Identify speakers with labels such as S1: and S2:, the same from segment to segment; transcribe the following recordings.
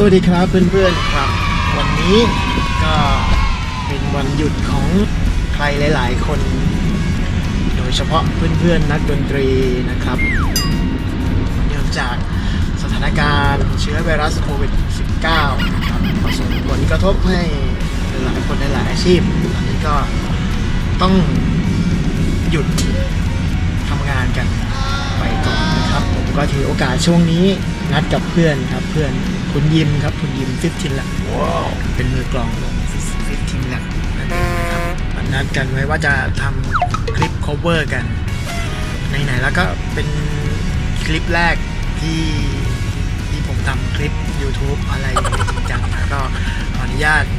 S1: วัสดีครับเพื่อนๆครับวันนี้ก็เป็นวันหยุดของใครหลายๆคนโดยเฉพาะเพื่อนๆนักดนตรีนะครับเนื่องจากสถานการณ์เชื้อไวรัสโควิด -19 นะครับส่งผลกระทบให้หลายคนในหลายอาชีพตอนนี้ก็ต้องหยุดทำงานกันไปก่อนนะครับผมก็ถือโอกาสช่วงนี้นัดกับเพื่อนครับเพื่อนคุณยิมครับคุณยิม15 ละเป็นมือกลองวง15 ละนะครับนัดกันไว้ว่าจะทำคลิป cover กันไหนๆแล้วก็เป็นคลิปแรกที่ผมทำคลิป YouTube อะไรจริงจังนะก็ขออนุญาต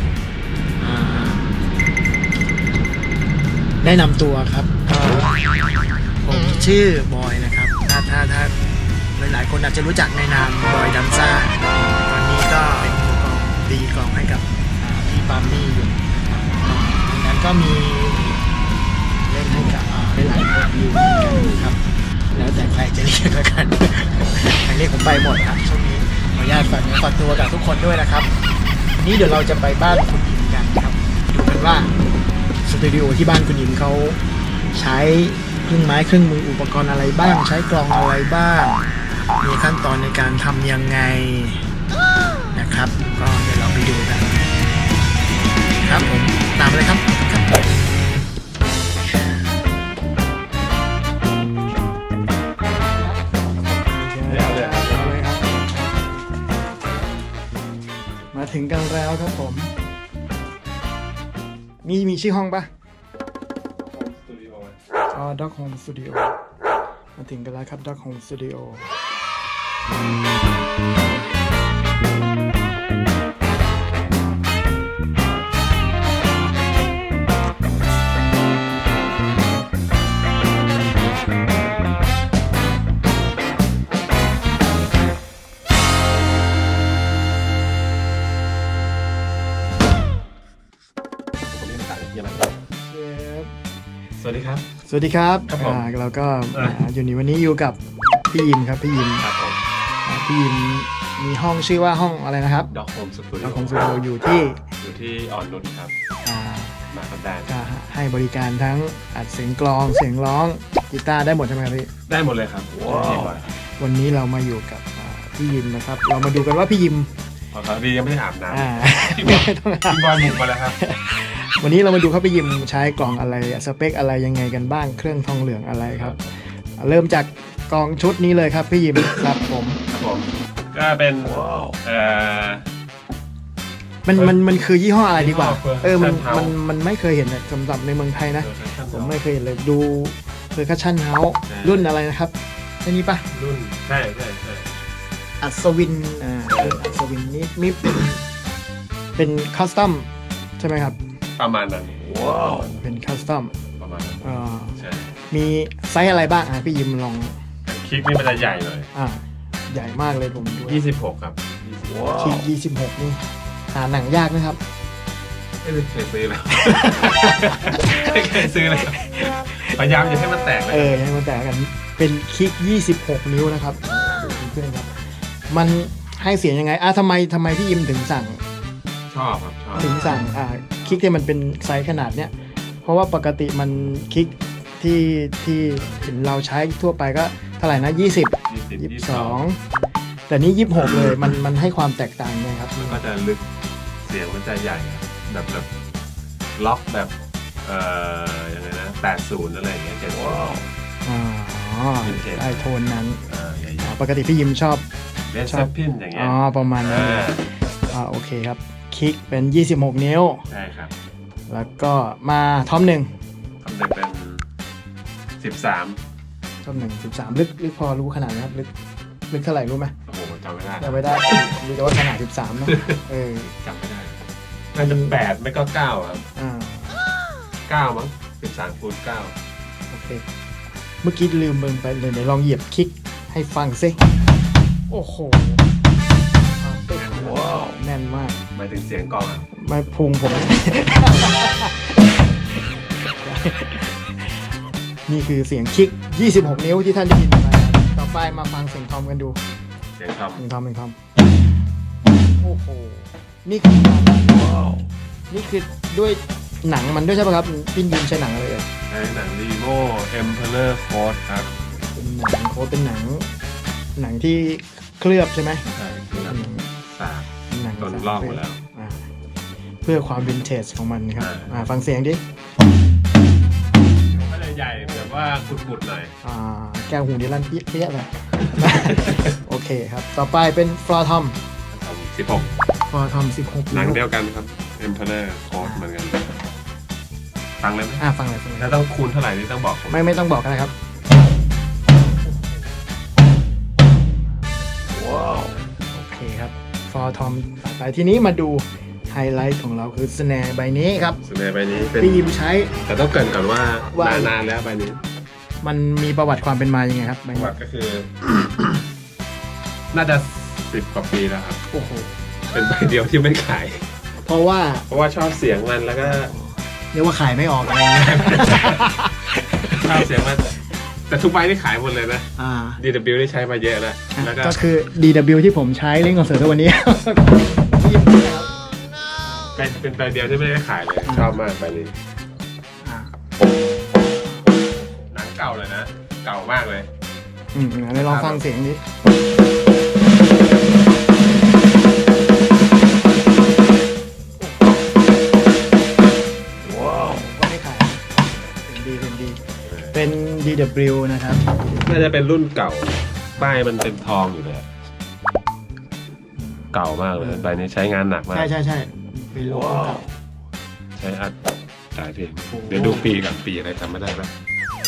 S1: แนะนำตัวครับผมชื่อบอยนะครับถ้าหลายๆคนอาจจะรู้จักในนามบอยดัมซ่าตอนนี้ก็เป็นมือกลองตีกลองให้กับพี่ปามี่อยู่ดังนั้นก็มีเล่นให้กับหลายคนอยู่เหมือนกันครับแล้วแต่ใครจะเรียกแล้วกันใครเรียกผมไปหมดครับช่วงนี้ขออนุญาตฝากตัวกับทุกคนด้วยนะครับวันนี้เดี๋ยวเราจะไปบ้านคุณอิมกันครับดูกันว่าสตูดิโอที่บ้านคุณอิมเขาใช้เครื่องไม้เครื่องมืออุปกรณ์อะไรบ้างใช้กลองอะไรบ้างมีขั้นตอนในการทำยังไงนะครับก็เดี๋ยวเราไปดูกันครับผมตามเลยครับมาถึงกันแล้วครับผมมีชื่อห้องปะDog Home Studio มาถึงกันแล้วครับ Dog Home Studio
S2: สวัสดีครับ
S1: สวัสดีครับ
S2: ครับผม
S1: เราก็อยู่ในวันนี้อยู่กับพี่ยิมครับพี่ยิม
S2: ครับผม
S1: พี่ยิมมีห้องชื่อว่าห้องอะไรนะครับ
S2: Dog Home Studio
S1: Dog Home Studio อยู่ที่
S2: อ่อนนุชครับมาคำแดน
S1: ก็ให้บริการทั้งอัดเสียงกลองเสียงร้องกีตาร์ได้หมดใช่ไหมครับพี่
S2: ได้หมดเลยครับว้าว
S1: วันนี้เรามาอยู่กับพี่ยิมนะครับเรามาดูกันว่าพี่ยิม
S2: พอครับดียังไม่ได้อาบน้ำ
S1: ไม่ต้อง
S2: พี่บอยหมุกมาแล้วครับ
S1: วันนี้เรามาดูครับพี่ยิมใช้กล่องอะไรสเปคอะไรยังไงกันบ้างเครื่องทองเหลืองอะไรครับเริ่มจากกล่องชุดนี้เลยครับพี่ยิมครับผม
S2: ก็เป็น
S1: มันคือยี่ห้ออะไรดีกว่า
S2: Percussion
S1: มันไม่เคยเห็นสำหรับในเมืองไทยนะผมไม่เคยเห็นเลยดูPercussion House รุ่นอะไรนะครับใช่นี้ปะ
S2: รุ่นใช่
S1: อัศวินอัศวินนี่เป็นคัสตอมใช่ไหมครับ
S2: ประมาณนั้น
S1: เป็นคัสตอม
S2: ประมาณนั้นใช่
S1: มีไซส์อะไรบ้างพี่ยิมลอง
S2: คลิกนี่มันจะใหญ่เลย
S1: ใหญ่มากเลยผมดู
S2: 26ครับ
S1: คลิก26นี่หาหนังยากนะครับ
S2: ไม่เคยซื้อเลยไม่เคยซื้อเลยพยายามจะให้มันแตก
S1: ให้มันแตกกันเป็นคลิก26 นิ้วนะครับดูเพื่อนครับมันให้เสียงยังไงทำไมพี่ยิมถึงสั่ง
S2: ชอบครับ
S1: ถึงสั่งคลิกที่มันเป็นไซส์ขนาดเนี้ยเพราะว่าปกติมันคลิกที่เห็นเราใช้ทั่วไปก็เท่าไหร่นะ20 22แต่นี้26เลยมันให้ความแตกต่างไงครับ
S2: มันก็จะลึกเสียงมันจะใหญ่แบบล็อกแบบยังไงนะ80อะไรอย่างเงี้ย
S1: ไอโทนนั้นปกติพี่ยิมชอบ
S2: เลสเซปพินอย่างเงี้ย
S1: ประมาณนั้นโอเคครับคลิกเป็น26 นิ้ว
S2: ใช่ครับ
S1: แล้วก็มาท่อม1
S2: เป็น13
S1: ท่อม1 13ลึกพอรู้ขนาดไหมครับลึกเท่าไหร่รู้ไหม
S2: โอ้โหจำไม่ได้
S1: รู้แต่ว่าขนาด13นะ
S2: จำไม่ได้น่าจะ8ไม่ก็9ครับ9มั้ง13 คูณ 9
S1: โอเคเมื่อกี้ลืมไปเลยเดี๋ยวลองเหยียบคลิกให้ฟังซิโอ้โหแน่นมาก
S2: หมายถึงเสียงกลอง
S1: ไม่พุงผม นี่คือเสียงคลิก26 นิ้วที่ท่านได้ยินไปต่อไปมาฟังเสียงทอมกันดูเสียงทอมโอ้โหนี่คือนี่คือด้วยหนังมันด้วยใช่ป่ะครับพี่ยิมใช้หนังอะไรเอ่ย
S2: ใช้หนัง Limo Emperor Code ครับ
S1: เป็นหนังโค้ดเป็นหนังที่เคลือบใช่ไหม
S2: ใช่คือแบบสาก
S1: หนัง
S2: โดนลอกหมดแล้ว
S1: อ่าเพื่อความวินเทจของมันครับฟังเสียงดิ
S2: ก็จะใหญ่แบบว่ากุดๆหน่อย
S1: แก้วหูนี่ลั่นเปี้ยเลย โอเคครับ ต่อไปเป็นฟลอร์ทอม
S2: ทำ16
S1: ฟลอร์ทอม16
S2: หนังเดียวกันครับ Emperor Code เหมือนกันฟังเลยไหม
S1: ฟังเลย
S2: แล้วต้องคูณเท่าไหร่นี่ต้องบอกผม
S1: ไม่ต้องบอกกันนะครับว้าวโอเคครับฟลอร์ทอมไปทีนี้มาดูไฮไลท์ของเราคือสแนร์ใบนี้ครับ
S2: สเนร์ใบนี้เป็น
S1: พี่ยิมใช้
S2: แต่ต้องเกรินก่อนว่า
S1: ว่า
S2: นานๆแล้วใบนี้
S1: มันมีประวัติความเป็นมายังไงครับใบ
S2: ประ
S1: นี้
S2: วัติก็คือ น่าจะ10 กว่าปีแล้วครับ
S1: โอ้โห
S2: เป็นใบเดียวที่ไม่ขาย
S1: เพราะว่า
S2: เพราะว่าชอบเสียงมันแล้วก็
S1: เรียกว่าขายไม่ออกอะไรอย่างเงี้ย
S2: ชอบเสียงมันแต่ทุกใบนี่ขายหมดเลยนะ
S1: อ่า
S2: DW ได้ใช้มาเยอะแล้วแล้วก็
S1: ก็คือ DW ที่ผมใช้เล่นคอนเสิร์ตทุกวันนี้ พี่ยิมครับ
S2: เป็นใบเดียวที่ไม่ได้ขายเลย ชอบมากใบนี้
S1: อ่า
S2: หนังเก่าเลยนะ เก่ามากเลย
S1: งั้นลองฟังเสียงดิว้าวก็ไม่ขายเป็นดีเป็น DW นะครับ
S2: น่าจะเป็นรุ่นเก่า ป้ายมันเป็นทองอยู่เลยอะเก่ามากเลยใบนี้ใช้งานหนักมาก
S1: ใช่เป็นโลโก้เก่า
S2: ใช้อัดหลายเพลง
S1: โอ้โห
S2: เดี๋ยวดูปีกันปีอะไรจำไม่ได้แล้ว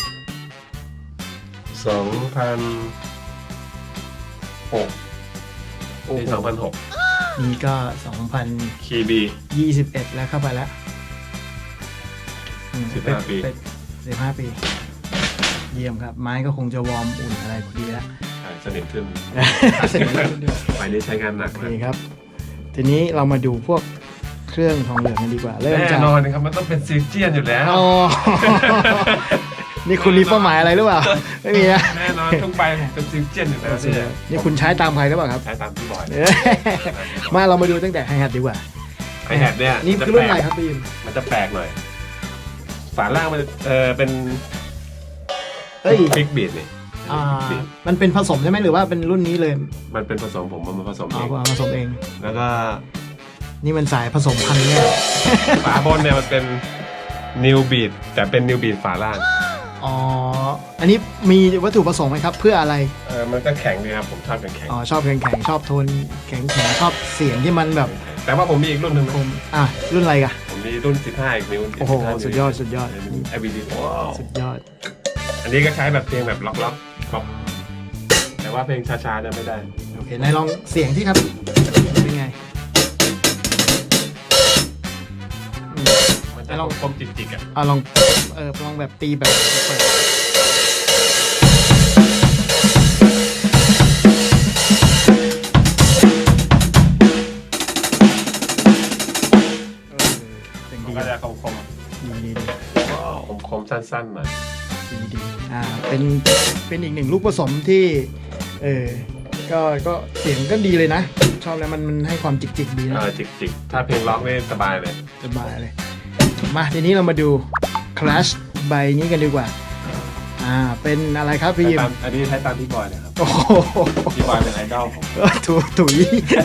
S2: 2006ปี2006
S1: นี่ก็
S2: คีย์บี
S1: 2021 แล้วเข้าไปแล้ว
S2: 15 ปี
S1: 15 ปี เยี่ยมครับ ไม้ก็คงจะวอร์มอุ่นอะไรพอดีแล้ว
S2: ใช่สนิทขึ้น
S1: เสร็จแล้วด้วย
S2: ใบนี้ใช้งานหนัก
S1: โอ
S2: มา
S1: เค
S2: ก
S1: ครับ ทีนี้เรามาดูพวกเครื่องทองเหลืองกันดีกว่า เริ่ม
S2: แน่
S1: จาก
S2: นอนนะครับมันต้องเป็นซิลเจียนอยู่แล้ว
S1: อ๋อ นี่คุณมีเป้าหมายอะไรหรือเปล่า ไม่มีนะ
S2: แน่นอนทุกใบเป็นซิลเจียนอยู่แล้วเนี่ย
S1: นี่คุณใช้ตามใครหรือเปล่าครับ
S2: ใช้ตามที่บอย
S1: เอ้ยมาเรามาดูตั้งแต่ไฮแฮทดีกว่า
S2: ไอแฮดเนี่ย
S1: นี่คือรุ่นอะไรครับพี่ยิม
S2: มันจะแปลกหน่อย ฝาล่างมันเป็น
S1: เอ้ย
S2: บิ๊กบีดนี่
S1: มันเป็นผสมใช่ไหมหรือว่าเป็นรุ่นนี้เลย
S2: มันเป็นผสมผมมันผสมเอง
S1: ผสมเอง
S2: แล้วก็
S1: นี่มันสายผสมพันธุ์เนี่ย
S2: ฝาบนเนี่ยมันเป็นนิวบีดแต่เป็นนิวบีดฝาล่าง
S1: อ๋อ อันนี้มีวัตถุประสงค์ไหมครับ เพื่ออะไร
S2: มันก็แข็งดีครับผมชอบแข็ง
S1: อ๋อ ชอบแข็งๆชอบโทนแข็งๆชอบเสียงที่มันแบบ
S2: ๆแต่ว่าผมมีอีกรุ่นหนึ่งนะ
S1: คมรุ่นอะไรกะ
S2: ผมมีรุ่น 15 อีกนิ้ว
S1: โอ้โห
S2: 15
S1: สุดยอด
S2: IBD
S1: สุดยอด
S2: อันนี้ก็ใช้แบบเพลงแบบล็อกแต่ว่าเพลงช้าๆจะไม่ได้
S1: โอเค นายลองเสียงที่ครับ เป็นไง
S2: มันจะลองคมจิกๆอ่ะ
S1: ลองลองแบบตีแบบเปิดเป็น
S2: มัน
S1: ดี
S2: ก็จะคม
S1: ดี
S2: คมสั้นๆหน่อย
S1: ดีเป็นอีกหนึ่งลูกผสมที่ก็เสียงก็ดีเลยนะ ชอบแล้วมันให้ความจิกๆดีนะ
S2: จิกๆถ้าเพลงล็อกนี่สบายเลย
S1: สบายเลย มาทีนี้เรามาดู Clash ใบนี้กันดีกว่า เป็นอะไรครับพี่ยิม
S2: อันนี้ใช้ตามพี่บอยนะครับ
S1: โอ้โห
S2: พี่บอยเป็นไอดอลผม
S1: ถุย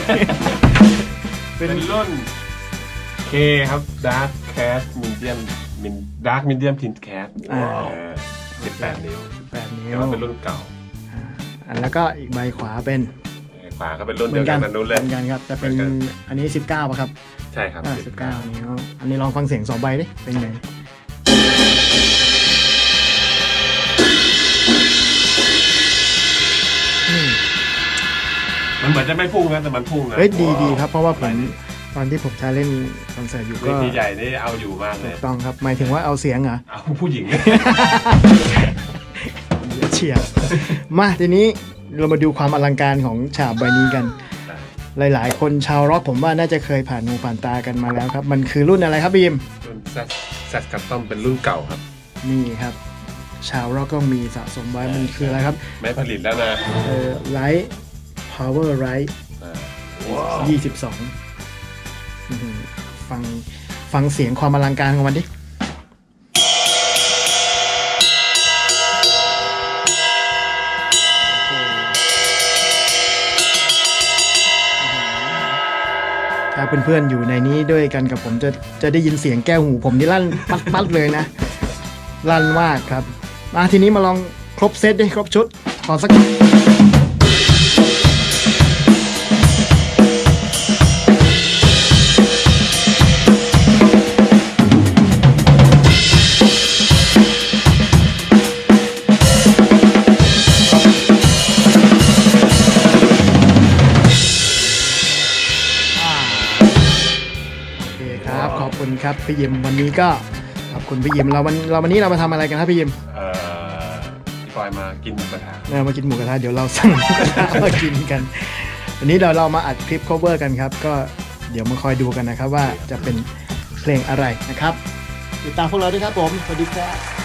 S2: เป็นรุ่น K ครับ Dark Cat Medium Dark Medium Tint Cat 18 นิ้ว
S1: 8 นิ้
S2: แต่
S1: ว
S2: ว่าเป็นรุ่นเก่า
S1: แล้วก็อีกใบขวาเป็น
S2: ขวาก็เป็นรุ่นเดียวกันนั่นนู้นเลย
S1: เหมือนกันครับ แต่เป็นอันนี้ 19ป่ะครับ
S2: ใช่ครับ
S1: 19 นิ้ว อันนี้ลองฟังเสียง2ใบดิ เป็นไง
S2: มันเหมือนจะไม่พุ่งนะแต่มันพุ่งนะ
S1: เฮ้ยดีครับ เพราะว่าผมตอนที่ผมใช้เล่นคอนเสิร์ตอยู่ก็
S2: ทีใหญ่นี่เอาอยู่มากเล
S1: ถู
S2: ย
S1: กต้องครับ หมายถึงว่าเอาเสียงเหรอ
S2: เอาผู้หญิง
S1: เฉียบมาทีนี้เรามาดูความอลังการของฉาบใบนี้กัน หลายๆ คนชาวร็อกผมว่าน่าจะเคยผ่านหูผ่านตากันมาแล้วครับ มันคือรุ่นอะไรครับบีม
S2: รุ่นแซดคัสตอมเป็นรุ่นเก่าครับ
S1: นี่ครับ ชาวร็อกก็มีสะสมไว้มันคืออะไรครับ
S2: ไม่ผลิตแล้วนะ
S1: ไลท์พาวเวอร์ไรท์
S2: เ
S1: 22อื้อหือฟังเสียงความอลังการของมันดิถ้าเพื่อนๆอยู่ในนี้ด้วยกันกับผมจะได้ยินเสียงแก้วหูผมนี่ลั่นปัดๆเลยนะ ลั่นมากครับ มาทีนี้มาลองครบเซตดิครบชุด ขอสักโอเคครับ ขอบคุณครับพี่ยิมวันนี้ก็ขอบคุณพี่ยิมวันนี้เรามาทำอะไรกันครับพี่ยิม
S2: พี่ปอยมากินหมูกระทะ
S1: มากินหมูกระทะเดี๋ยวเราสั่งหมูกระทะมากินกันวันนี้เรามาอัดคลิป cover กันครับก็เดี๋ยวมาคอยดูกันนะครับว่าจะเป็นเพลงอะไรนะครับติดตามพวกเราด้วยครับผมสวัสดีครับ